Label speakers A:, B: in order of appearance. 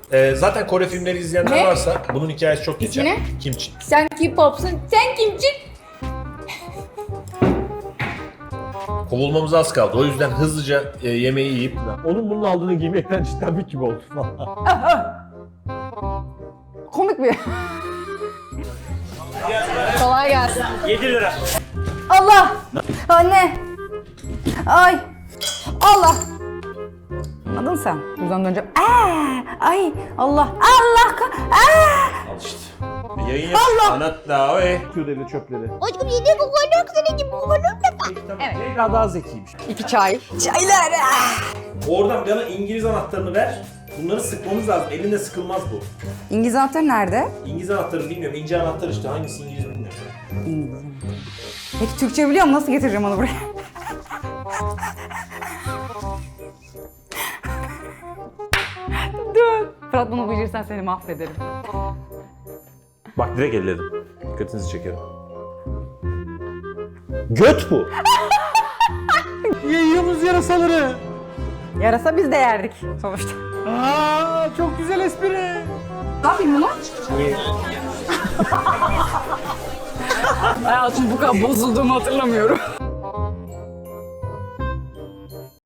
A: Zaten Kore filmleri izleyenler
B: Ne?
A: varsa bunun hikayesi çok geçer.
B: Ne?
A: Kimchi.
B: Sen K-pop'sun, sen kimsin?
A: Kovulmamız az kaldı. O yüzden hızlıca yemeği yiyip...
C: Onun bunun aldığını giymekten cidden bir gibi oldu falan.
B: Komik bir. Kolay gelsin.
C: 7 lira.
B: Allah! Anne! Ay! Allah! Anladın sen? Buradan döneceğim. Ay! Allah! Allah!
A: Al işte. Yayın yap.
B: Allah!
A: Anlat da oy.
C: Q'deli çöpleri.
B: Aşkım yedi bu kadar güzel gibi bu kadar
C: Evet. Zehra daha zekiymiş.
B: 2 çay. Çaylar!
A: Oradan bana İngiliz anahtarını ver. Bunları sıkmamız lazım. Elinde sıkılmaz bu.
B: İngiliz anahtarı nerede?
A: İngiliz anahtarı bilmiyorum. İnce anahtar işte. Hangisi İngiliz bilmiyorum.
B: İngiliz. Peki Türkçe biliyor musun? Nasıl getireceğim onu buraya? Dur. Fırat bunu bilirsen seni mahvederim.
A: Bak direkt elledim. Dikkatinizi çekerim. Göt bu.
C: Yiyoruz yarasaları.
B: Yarasa biz de yerdik sonuçta.
C: Aa, çok güzel espri.
B: Ne yapayım bunu? Hayatım bu kadar bozulduğumu hatırlamıyorum.